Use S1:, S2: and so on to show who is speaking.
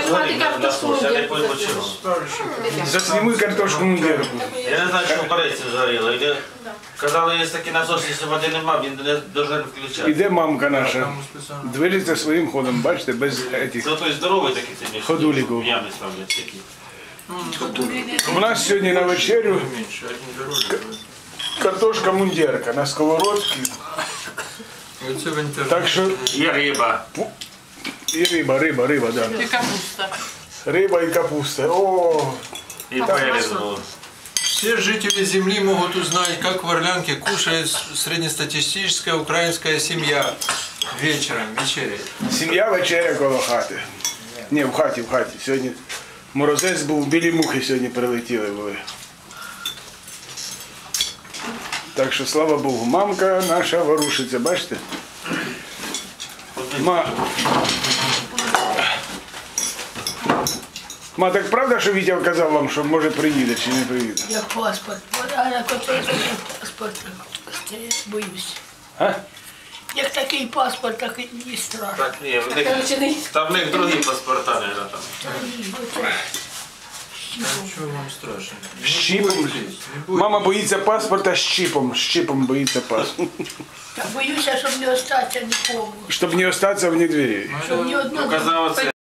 S1: Знімати картошку мундірку.
S2: Засніми картошку мундірку.
S3: Я не знаю, що в корейці згоріло. Казали, є такий насос, якщо води нема, він не повинен включати.
S2: Іде мамка наша. Движеться своїм ходом, бачите, без этих.
S3: Це той здоровий такий собі.
S2: Ходуліків.
S3: Ями ставлять такі.
S2: У нас сьогодні на вечерю картошка мундірка на сковородці. Так що
S3: Є риба.
S2: і риба, да.
S1: І капуста.
S2: Риба і капуста. О,
S3: І перець був.
S4: Все жители Земли могут узнать, как в Орлянке кушает среднестатистическая украинская семья вечером, вечеряет.
S2: сім'я вечеря коло хати. Ні, в хаті. Сьогодні морозець був, білі мухи сьогодні прилетіли були. Так що, слава Богу, мамка наша ворушиться, бачите? Ма, так правда, що Вітя казав вам, що може приїде чи не приїде?
S5: Як паспорт. А як оцей паспорт стоїть, боюсь.
S2: А?
S5: Як такий паспорт, так і страшно.
S3: Так, ні, там в них другі паспорта, мабуть, там.
S4: Чего вам страшно?
S2: Щіпом. Мама боїться паспорта щіпом боїться паспорт.
S5: Так боюся, щоб не остатися нікому.
S2: Щоб не остатися вне двері.
S5: Щоб ні одного.
S3: Казав,